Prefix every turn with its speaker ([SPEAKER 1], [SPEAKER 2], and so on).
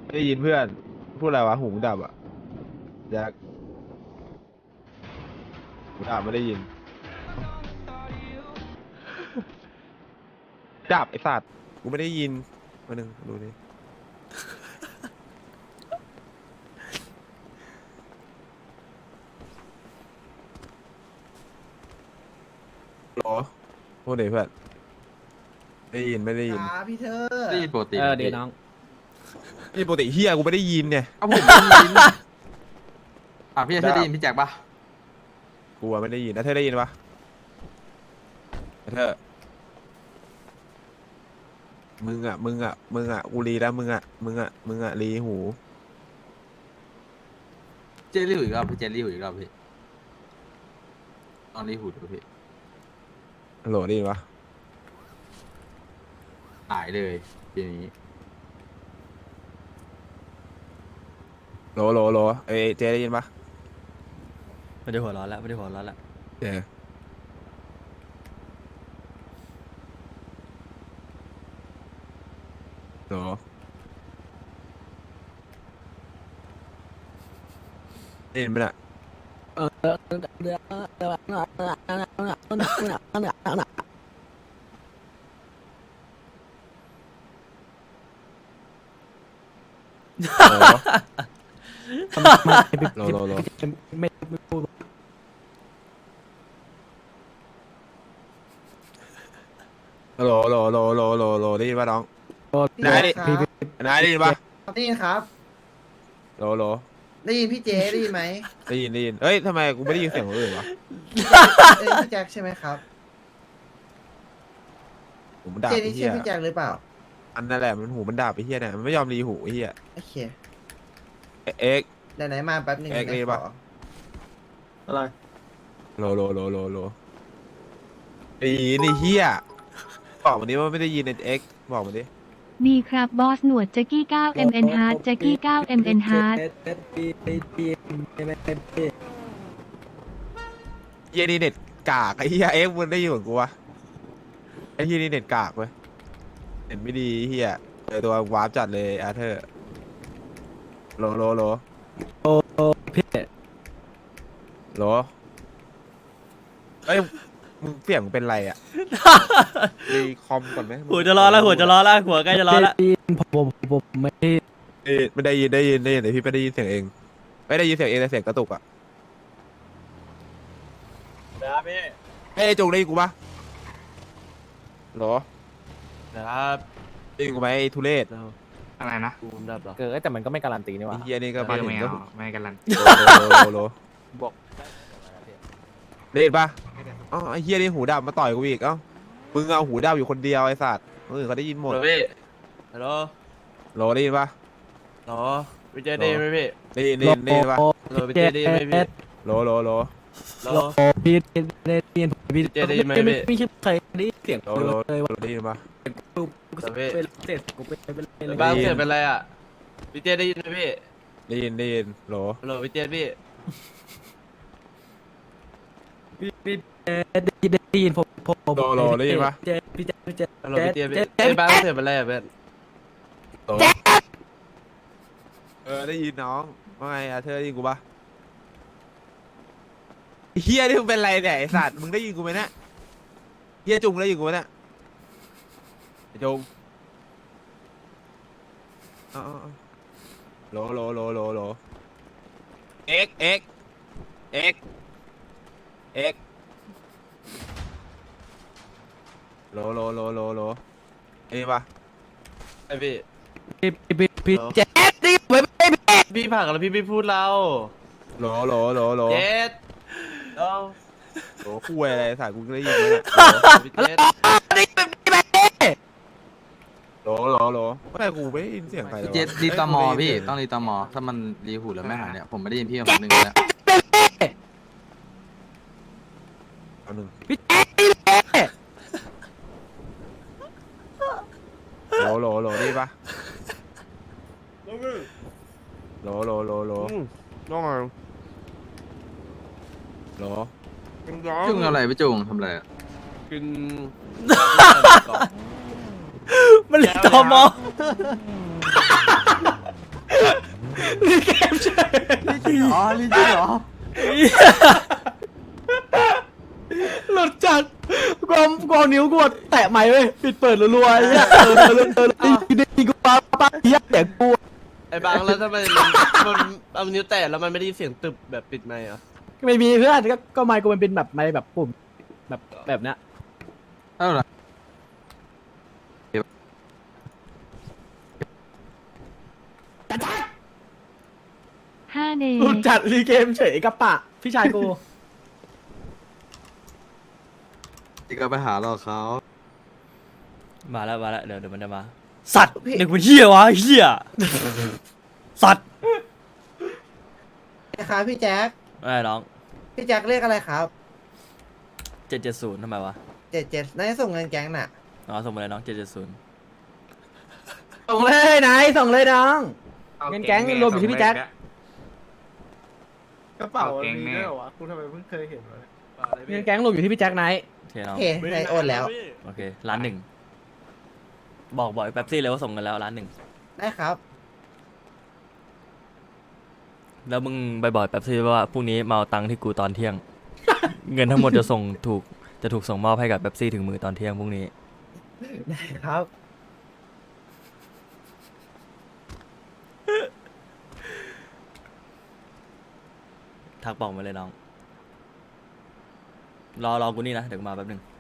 [SPEAKER 1] ไม่ได้ยินเพื่อนพูดอะไรวะหูมึงดับอ่ะแจ็คหูดับไม่ได้ยินดับไอ้สัตว์กูไม่ได้ยินมาหนึ่งดูดิหรอพูดหน่อยเพื่อนไม่ได้ยินไม่ได้ยิน
[SPEAKER 2] ครับพี่เธอ
[SPEAKER 3] ได้ยินปกติ
[SPEAKER 4] ดีน้อง
[SPEAKER 1] นี่ปกติเฮียกูไม่ได้ยินเนี่ย
[SPEAKER 3] เอาผมได้ยินพี่จะได้ยินพี่แจ็คปะ
[SPEAKER 1] กูอะไม่ได้ยินนะเธอได้ยินปะเธอมึงอ่ะกูรีแล้วมึงอ่ะรีหู
[SPEAKER 3] เจลลี่หูอีกรอบพี่เจลลี่หูอีกรอบพี่ตอนนี้หูดูพี่
[SPEAKER 1] โหลได้ยินปะ
[SPEAKER 3] หายเลยทีนี้
[SPEAKER 1] โหลเอยเจได้ยินปะ
[SPEAKER 4] ไม่ได้หัวร้อนแล้วไม่ได้หัวร้อนแล้ว
[SPEAKER 1] เจโหลได้ยินปะเนี่ยโหลโหล
[SPEAKER 4] ไม่พูด
[SPEAKER 1] โหลได้ยินปะน้อง
[SPEAKER 2] พี่
[SPEAKER 1] นายดิ
[SPEAKER 2] ครับ
[SPEAKER 1] นายได้ยินปะ
[SPEAKER 2] ได้ยินครับ
[SPEAKER 1] โหล
[SPEAKER 2] ได้ยินพี่เจได้ยินไหม
[SPEAKER 1] ได้ยินเอ้ยทำไมกูไม่ได้ยินเสียงคนอื่นวะ
[SPEAKER 2] เอ้ยพี่แจ็คใช่ไหมครับ
[SPEAKER 1] หูมันดับ
[SPEAKER 2] เจ
[SPEAKER 1] ไอ้
[SPEAKER 2] นี่
[SPEAKER 1] เหี้
[SPEAKER 2] ใช่
[SPEAKER 1] ย
[SPEAKER 2] พี่แจ็คหรือเปล่า
[SPEAKER 1] อันนั่นแหละมันหูมันดับไอ้เหี้ยเนี่ยมันไม่ยอมรีหูไอ้เหี้ย
[SPEAKER 2] โอเค
[SPEAKER 1] เอ็ก
[SPEAKER 2] ไหนๆมาแป๊บหนึง
[SPEAKER 1] เอ็กซ์ได้ปะ
[SPEAKER 2] ขอ
[SPEAKER 4] อะไร
[SPEAKER 1] โหลไอ้นี่เหี้ยบอกมันดิว่าไม่ได้ยินเอ็กบอกมันดิ
[SPEAKER 5] ดีครับบอสหนวดแจ็กกี้9 MN Hard แจ็กกี้9 MN Hard
[SPEAKER 1] เหี้ยนี่เน็ตกากไอ้เหี้ยเอ็กมันได้ยินเหมือนกูวะไอ้เหี้ยนี่เน็ตกากเว้ยเน็ตไม่ดีเหี้ยตัววาร์ปจัดเลยอาเธอร์โหล
[SPEAKER 4] พี่
[SPEAKER 1] โหลเอ้ยมึงเสียงเป็นไรอ่ะรีคอมก่อนไหม
[SPEAKER 4] หัวจะร้อนแล้วหัวจะร้อนแล้วหัวใกล้จะร้อนแล้ว
[SPEAKER 6] ผมไม่
[SPEAKER 1] ไม่ได้ยินแต่พี่ไม่ได้ยินเสียงเองไม่ได้ยินเสียงเองแต่เสียงกระตุกอ่ะ
[SPEAKER 4] ครับพี่
[SPEAKER 1] เฮ้ยจงได้ยินกูปะโหล
[SPEAKER 4] ครับ
[SPEAKER 1] ได้ยินกูไหมไอ้ทุเรศ
[SPEAKER 3] อะไรนะ
[SPEAKER 4] กูดับหรอแต่มันก็ไม่การันตีนี่ห
[SPEAKER 1] ไอ้
[SPEAKER 4] ว่า
[SPEAKER 1] เหี้ยนี่ก็มาถึงก็
[SPEAKER 3] ไม่กันลัน
[SPEAKER 1] โหล
[SPEAKER 4] บอก
[SPEAKER 1] ได้ยินปะอ๋อไอ้เฮียนี่หูดับมาต่อยกูอีกเอ้ามึงเอาหูดับอยู่คนเดียวไอ้สัตว์คนอื่นเขาได้ยินหมด
[SPEAKER 4] พี่ฮัลโหล
[SPEAKER 1] โหลได้ยินปะ
[SPEAKER 4] หรอพี่เจได้ไหมพี่
[SPEAKER 1] ได้ยินปะ
[SPEAKER 4] ฮัลโหลพี่เจได้ไหมพี่
[SPEAKER 1] โหล
[SPEAKER 4] ฮัลโหล
[SPEAKER 6] พี่ได้ยินพี่
[SPEAKER 4] เจได้ยินไหมพี่
[SPEAKER 6] ไม่ใช่ใครได้เสียง
[SPEAKER 1] โหล
[SPEAKER 6] เลยว่า
[SPEAKER 1] ได้ยินปะ
[SPEAKER 6] เป็นเสร็จกูเป็นเลย
[SPEAKER 4] บ้านเกิดเป็นไรอ่ะพี่เจได้ยินไหมพี่
[SPEAKER 1] ได้ยินโหล
[SPEAKER 4] ฮัลโหลพี่เจพี่
[SPEAKER 6] พี่ได้ยินผม
[SPEAKER 1] ได้ยินปะ
[SPEAKER 6] พี่แจ๊พี่แจ๊
[SPEAKER 4] ฮัลโหลพี่เจพี่บ้านเกิดเป็นไรอ่ะเพื่อน
[SPEAKER 1] โหลได้ยินน้องว่าไงอาเธอร์ได้ยินกูปะไอ้เฮียนี่มึงเป็นไรเนี่ยไอ้สัตว์มึงได้ยินกูไหมเนี่ยเฮียจุงได้ยินกูไหมเนี่ยไอ้จุงอ๋อโหลเอ็กโหลเอ้ยปะ
[SPEAKER 4] ไอพี่
[SPEAKER 6] พี่แจ๊ได้ยินไหมพี่
[SPEAKER 4] พี่ผักแล้วพี่ไม่พูดเรา
[SPEAKER 1] โหล
[SPEAKER 4] เจดเอา
[SPEAKER 1] โหคุยอะไรสายกูได้ยินไหมเนี่ย
[SPEAKER 4] พี่เจด
[SPEAKER 6] ได้ยินไหม
[SPEAKER 1] โหลไม่กูไม่ได้ยินเสียงใครเลย
[SPEAKER 3] พี่เจสรีตอมอพี่ต้องรีตอมอถ้ามันรีหูแล้วไม่หายเนี่ยผมไม่ได้ยินพี่มาหนึ่งแล้ว
[SPEAKER 1] เอาหนึ่ง
[SPEAKER 6] พี่แจ๊
[SPEAKER 1] โหลได้ปะโหล
[SPEAKER 4] น้อง
[SPEAKER 1] โหล
[SPEAKER 3] จุงอะไรพี่จุงทำอะไร
[SPEAKER 4] กิน
[SPEAKER 6] มันเลยตอมอเกมเฉย
[SPEAKER 3] อ๋อลิงจริงเหรอ
[SPEAKER 6] หลุดจากความนิ้วกูแตะไม้เว้ยปิดเปิดรัวๆไอ้เหี้ยดีกูป้าเหี้ยแต่กู
[SPEAKER 4] ไอ้บางแล้วทำไมมันเอานิ้วแตะแล้วมันไม่ได้ยินเสียงตึบแบบปิดไมค์เหรอ
[SPEAKER 6] ไม่มีเพื่อนก็ไม้กูมันเป็นแบบไม้แบบปุ่มแบบเนี้ย
[SPEAKER 3] เท่าไหร่
[SPEAKER 5] 5 เน
[SPEAKER 6] หลุดจัดรีเกมเฉยกับปะพี่ชายกู
[SPEAKER 3] ที่ก็ไปหาเราเขา
[SPEAKER 7] มาแล้วเดี๋ยวมันจะมา สัตว์เด็กมันเหี้ยวะเหี้ยสัตว์
[SPEAKER 2] นะครับพี่แจ็ค
[SPEAKER 7] อะไรน้อง
[SPEAKER 2] พี่แจ็คเรียกอะไรครับ
[SPEAKER 7] 770ทำไมวะ
[SPEAKER 2] 77น่าจะส่งเงินแก๊งน่ะ
[SPEAKER 7] อ๋อส่งมาเลยน้อง770
[SPEAKER 6] ส่งเลยไหนส่งเลยน้องเงินแก๊งรวมอยู่ที่พี่แจ็ค
[SPEAKER 2] กระเป๋ามีด้วยเหรอวะกูทำไมเพิ่งเคยเห็นวะ
[SPEAKER 6] เงินแก๊งรวมอยู่ที่พี่แจ็คไหน
[SPEAKER 7] โอเคน้อง
[SPEAKER 2] โอเคในโอนแล้ว
[SPEAKER 7] โอเค1,000,000บอกไอ้แป๊บซี่เลยว่าส่งกันแล้ว1,000,000
[SPEAKER 2] ได้ครับ
[SPEAKER 7] แล้วมึงไปบอกแป๊บซี่ว่าพรุ่งนี้มาเอาตังค์ที่กูตอนเที่ยง เงินทั้งหมดจะถูกส่งมอบให้กับแป๊บซี่ถึงมือตอนเที่ยงพรุ่งนี้
[SPEAKER 2] ได้ครับ
[SPEAKER 7] ทักบอกมาเลยน้อง รอกูนี่นะ เดี๋ยวกูมาแป๊บนึง